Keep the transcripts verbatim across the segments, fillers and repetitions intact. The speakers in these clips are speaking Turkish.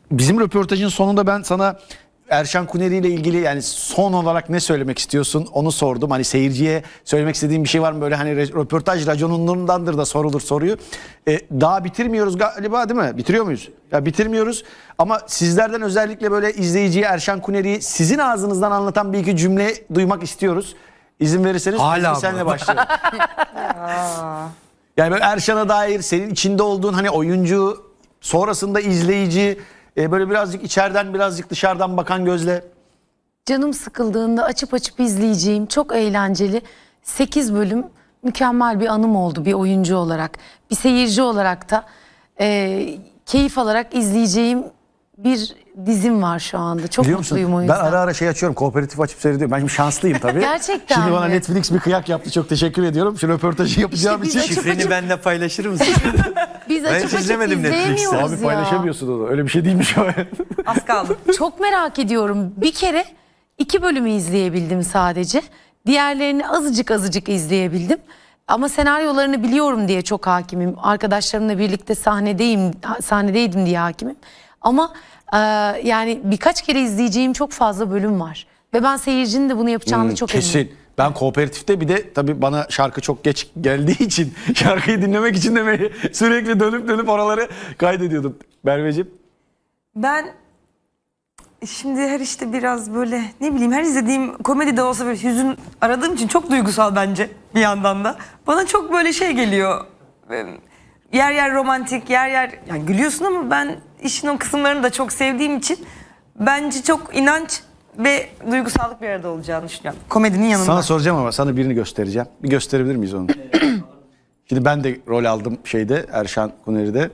bizim röportajın sonunda ben sana Erşan Kuneri ile ilgili yani son olarak ne söylemek istiyorsun onu sordum. Hani seyirciye söylemek istediğim bir şey var mı böyle, hani röportaj raconundandır da sorulur soruyu. Ee, daha bitirmiyoruz galiba, değil mi? Bitiriyor muyuz? Ya bitirmiyoruz ama sizlerden özellikle böyle izleyiciye Erşan Kuneri'yi sizin ağzınızdan anlatan bir iki cümle duymak istiyoruz. İzin verirseniz Hala senle başlayalım. Yani böyle Erşan'a dair senin içinde olduğun hani oyuncu, sonrasında izleyici, e, böyle birazcık içeriden birazcık dışarıdan bakan gözle. Canım sıkıldığında açıp açıp izleyeceğim çok eğlenceli sekiz bölüm mükemmel bir anım oldu bir oyuncu olarak. Bir seyirci olarak da e, keyif alarak izleyeceğim bir dizim var şu anda. Çok Biliyor musun? mutluyum o Ben yüzden. ara ara şey açıyorum, kooperatif açıp seyrediyorum. Ben şimdi şanslıyım tabii. Gerçekten Şimdi bana mi? Netflix bir kıyak yaptı. Çok teşekkür ediyorum. Şu röportajı yapacağım biz için. açıp Şifreni açıp- benimle paylaşır mısın? Biz Ben açıp hiç açıp izlemedim Netflix'te. izleyemiyoruz Abi ya. paylaşamıyorsun onu. Öyle bir şey değilmiş o. Az kaldı. Çok merak ediyorum. Bir kere iki bölümü izleyebildim sadece. Diğerlerini azıcık azıcık izleyebildim. Ama senaryolarını biliyorum diye çok hakimim. Arkadaşlarımla birlikte sahnedeyim, sahnedeydim diye hakimim. Ama e, yani birkaç kere izleyeceğim çok fazla bölüm var. Ve ben seyircinin de bunu yapacağını çok eminim. Kesin. Ben kooperatifte bir de tabii bana şarkı çok geç geldiği için şarkıyı dinlemek için de sürekli dönüp dönüp oraları kaydediyordum. Merveciğim. Ben şimdi her işte biraz böyle ne bileyim her izlediğim komedi de olsa böyle hüzün aradığım için çok duygusal bence bir yandan da. Bana çok böyle şey geliyor. e, Yer yer romantik, yer yer yani gülüyorsun ama ben işin o kısımlarını da çok sevdiğim için bence çok inanç ve duygusallık bir arada olacağını düşünüyorum. Komedinin yanında. Sana soracağım ama sana birini göstereceğim. Bir gösterebilir miyiz onu? Şimdi ben de rol aldım şeyde, Erşan Kuneri'de.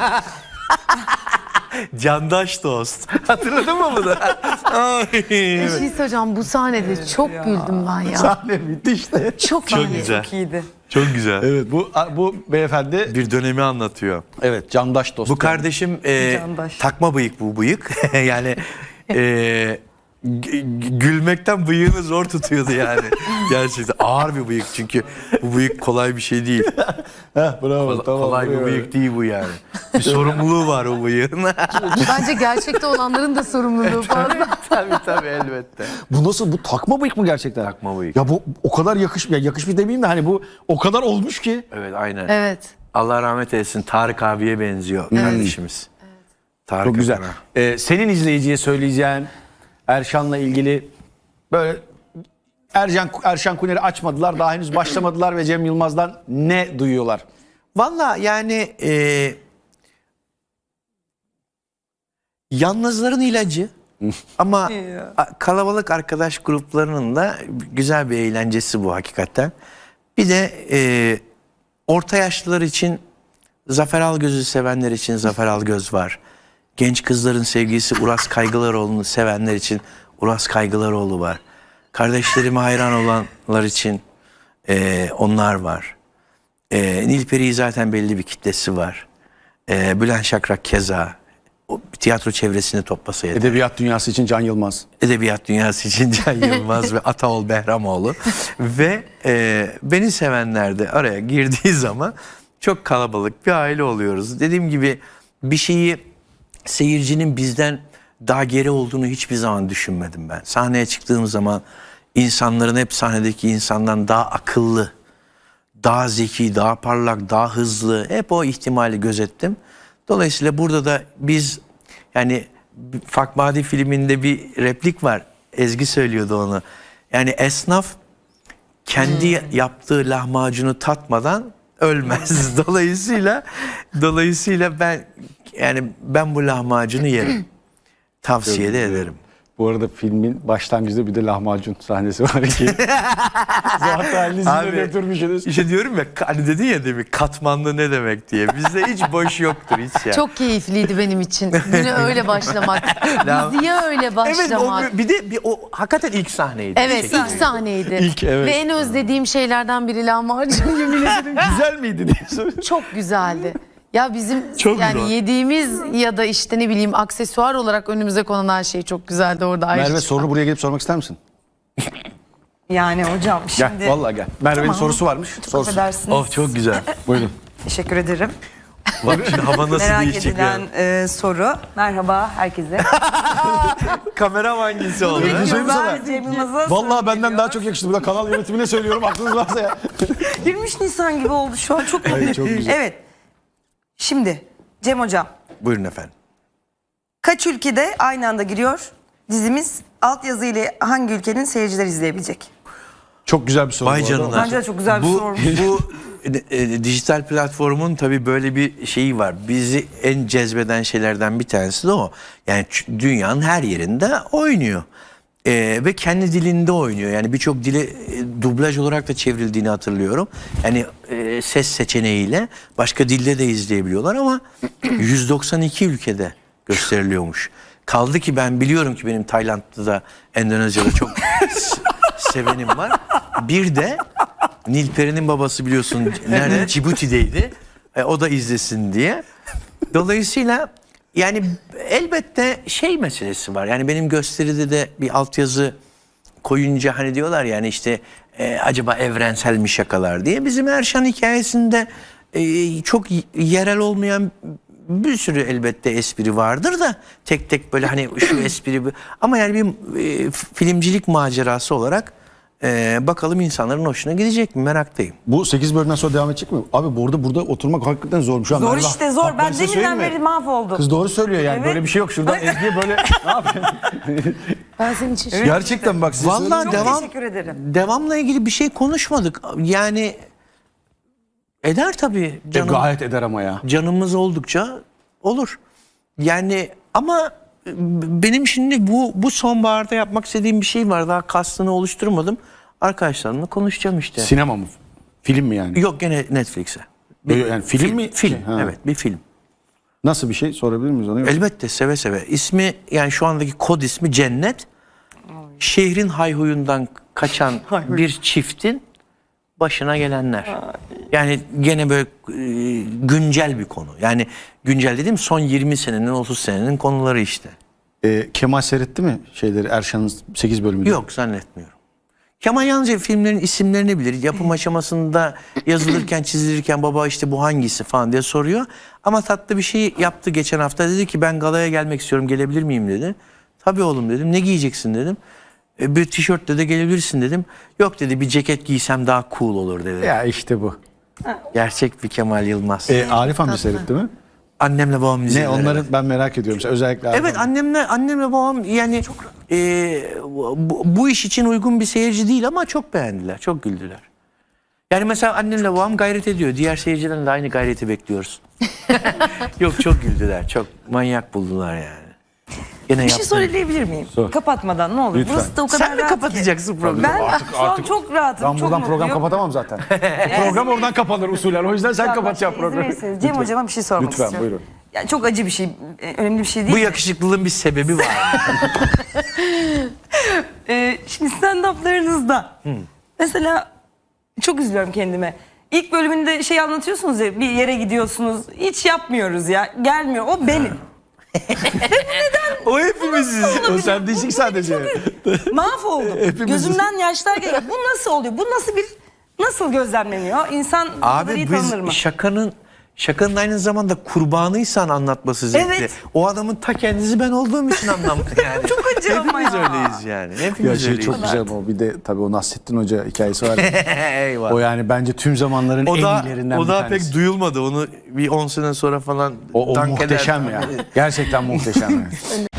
Candaş dost. Hatırladın mı bunu? Ay, Bir şey söyleyeceğim, bu sahnede çok güldüm ben ya. Sahne bitti işte. Çok, Çok iyi. güzel. Çok iyiydi. Çok güzel. Evet, bu bu beyefendi Bir dönemi anlatıyor. evet candaş dost. Bu kardeşim e, Candaş. takma bıyık bu bıyık. Yani e, g- gülmekten bıyığını zor tutuyordu yani. Gerçekten ağır bir bıyık çünkü bu bıyık kolay bir şey değil. Heh, bravo, Kolay, tamam, kolay bir bravo. bıyık değil bu yani. Bir sorumluluğu var o bıyığın. Bence gerçekte olanların da sorumluluğu fazla. Tabii tabii elbette. Bu nasıl, bu takma bıyık mı gerçekten? Takma bıyık. Ya bu o kadar yakış ya yakışmış demeyeyim de hani bu o kadar olmuş ki. Evet aynen. Evet. Allah rahmet eylesin, Tarık abiye benziyor kardeşimiz. Tarık Çok güzel. Akan'a. Ee, senin izleyiciye söyleyeceğin Erşan'la ilgili böyle Ercan Erşan Kuneri açmadılar, daha henüz başlamadılar ve Cem Yılmaz'dan ne duyuyorlar? Valla yani e, yalnızların ilacı ama Ya. a- kalabalık arkadaş gruplarının da güzel bir eğlencesi bu hakikaten. Bir de e, orta yaşlılar için Zafer Algöz'ü sevenler için Zafer Algöz var. Genç kızların sevgilisi Uras Kaygılaroğlu'nu sevenler için Uras Kaygılaroğlu var. Kardeşlerime hayran olanlar için e, onlar var. E, Nilperi'yi zaten belli bir kitlesi var. E, Bülent Şakrak keza. O tiyatro çevresini toplasa yeter. Edebiyat dünyası için Can Yılmaz. Edebiyat dünyası için Can Yılmaz ve Ataol Behramoğlu. Ve e, beni sevenler de araya girdiği zaman çok kalabalık bir aile oluyoruz. Dediğim gibi bir şeyi seyircinin bizden daha geri olduğunu hiçbir zaman düşünmedim ben. Sahneye çıktığım zaman insanların hep sahnedeki insandan daha akıllı, daha zeki, daha parlak, daha hızlı, hep o ihtimali gözettim. Dolayısıyla burada da biz yani Fakmadi filminde bir replik var. Ezgi söylüyordu onu. Yani esnaf kendi yaptığı lahmacunu tatmadan ölmez. Dolayısıyla dolayısıyla ben yani ben bu lahmacunu yerim. Tavsiye de ederim. Bu arada filmin başlangıcında bir de lahmacun sahnesi var ki. Zaten listede Abi, götürmüşsünüz. İşte diyorum ya hani dedin ya demin katmanlı ne demek diye. Bizde hiç boş yoktur hiç ya. Çok keyifliydi benim için. Güne öyle başlamak. Diziye öyle Evet başlamak. o, bir de bir, o hakikaten ilk sahneydi. Evet, Çekim. ilk sahneydi. İlk, evet. Ve en özlediğim şeylerden biri lahmacun, yemin ederim. Güzel miydi diye soruyor. Çok güzeldi. Ya bizim Çok yani güzel. yediğimiz ya da işte ne bileyim aksesuar olarak önümüze konan her şey çok güzeldi orada. ayrı Merve çıkan. sorunu buraya gelip sormak ister misin? Yani hocam Gel şimdi vallahi gel. Merve'nin Tamam. sorusu varmış. çok Sorsun. affedersiniz. Of çok güzel. Buyurun. Teşekkür ederim. Bak şimdi hava nasıl Merak değişecek ya. edilen e, soru. Merhaba herkese. Kamera hangisi oldu? Bir şey söyleyeyim mi sana? Cem Yılmaz'a Vallahi soru benden geliyor. daha çok yakıştı. Burada kanal yönetimine söylüyorum. Aklınız varsa ya. yirmi üç Nisan gibi oldu şu an. Çok mutluyum. çok güzel. Evet. Şimdi Cem Hocam. Buyurun efendim. Kaç ülkede aynı anda giriyor dizimiz? Altyazı ile hangi ülkenin seyirciler izleyebilecek? Çok güzel bir soru. Vay bu arada. canına. Bence de çok güzel bir bu, sorumuş. Bu e, e, dijital platformun tabii böyle bir şeyi var. Bizi en cezbeden şeylerden bir tanesi de o. Yani ç- dünyanın her yerinde oynuyor. E, ve kendi dilinde oynuyor. Yani birçok dile e, dublaj olarak da çevrildiğini hatırlıyorum. Yani e, ses seçeneğiyle başka dilde de izleyebiliyorlar ama yüz doksan iki ülkede gösteriliyormuş. Kaldı ki ben biliyorum ki benim Tayland'da da Endonezya'da çok s- sevenim var. Bir de Nilperi'nin babası biliyorsun nerede? Cibuti'deydi. E, o da izlesin diye. Dolayısıyla yani elbette şey meselesi var. Yani benim gösteride de bir altyazı koyunca hani diyorlar yani işte e, acaba evrensel mi şakalar diye. Bizim Erşan hikayesinde e, çok y- yerel olmayan bir sürü elbette espri vardır da tek tek böyle hani şu espri bu- ama yani bir e, filmcilik macerası olarak e, bakalım insanların hoşuna gidecek mi meraktayım. Bu sekiz bölümden sonra devam edecek mi? Abi burada burada oturmak hakikaten zormuş. Şu an Zor Merve, işte zor. bak Ben size deminden söyleyeyim mi? beri mahvoldum. Kız doğru söylüyor yani. Evet. Böyle bir şey yok. Şuradan Ezgi'ye böyle ne yapıyorsun? Ben senin için şu- Gerçekten bak size Vallahi söyleyeyim mi? devam teşekkür ederim. devamla ilgili bir şey konuşmadık. Yani eder tabii E, canım. gayet eder ama ya. Canımız oldukça olur. Yani ama benim şimdi bu bu sonbaharda yapmak istediğim bir şey var. Daha kastını oluşturmadım. Arkadaşlarımla konuşacağım işte. Sinema mı? Film mi yani? Yok gene Netflix'e. Yani film mi? Film. Şey, ha. Evet, bir film. Nasıl bir şey sorabilir miyiz onu? Elbette seve seve. İsmi yani şu andaki kod ismi Cennet. Şehrin hayhuyundan kaçan bir çiftin başına gelenler. Yani gene böyle e, güncel bir konu. Yani güncel dediğim son yirmi senenin otuz senenin konuları işte. Ee, Kemal seyretti mi şeyleri Erşan'ın sekiz bölümünü? Yok zannetmiyorum. Kemal yalnızca filmlerin isimlerini bilir. Yapım aşamasında yazılırken çizilirken baba işte bu hangisi falan diye soruyor. Ama tatlı bir şey yaptı geçen hafta. Dedi ki ben galaya gelmek istiyorum gelebilir miyim dedi. Tabii oğlum dedim. Ne giyeceksin dedim. E, bir tişörtle de gelebilirsin dedim. Yok dedi bir ceket giysem daha cool olur dedi. Ya işte bu. Gerçek bir Kemal Yılmaz. Ee, Arif amca seyretti mi? Annemle babam Ne izlediler. onları evet. ben merak ediyorum. Mesela özellikle Arif Evet amca. annemle annemle babam yani e, bu, bu iş için uygun bir seyirci değil ama çok beğendiler, çok güldüler. Yani mesela annemle babam gayret ediyor. Diğer seyircilerden de aynı gayreti bekliyoruz. Yok çok güldüler, çok manyak buldular yani. Gene Bir şey yaptım. söyleyebilir miyim? Sor. Kapatmadan ne olur. Lütfen. Burası da o kadar Sen mi rahat ki. kapatacaksın programı? Ben Artık- şu an artık- çok rahatım. Ben çok buradan program mutluyum. kapatamam zaten. O program oradan kapanır usulen. O yüzden sen Lütfen kapatacaksın başka izin programı. verirseniz Cem Hocam'a bir şey sormak Lütfen, istiyorum. buyurun. Yani çok acı bir şey, e, önemli bir şey değil. Bu yakışıklılığın bir sebebi var. Ee, şimdi stand-up'larınızda mesela çok üzülüyorum kendime. İlk bölümünde şey anlatıyorsunuz ya bir yere gidiyorsunuz. Hiç yapmıyoruz ya. Gelmiyor. O benim. O hepimiziz. O sen değişik sadece. Mahvoldum. Gözümden yaşlar geliyor. Bu nasıl oluyor? Bu nasıl bir nasıl gözlemleniyor? İnsan bu kadar iyi Abi tanınır mı? biz şakanın şakanın aynı zamanda kurbanıysan anlatması zevkli. Evet. O adamın ta kendisi ben olduğum için anlamlı yani. Çok acı ama Hepimiz ya. öyleyiz yani. Ya Hepimiz şey öyleyiz. çok güzel ama bir de tabii o Nasrettin Hoca hikayesi var. ya. Eyvallah. O yani bence tüm zamanların O en da, iyilerinden o bir da tanesi. pek duyulmadı. Onu bir on sene sonra falan O, o dank muhteşem eder. ya. Gerçekten muhteşem ya.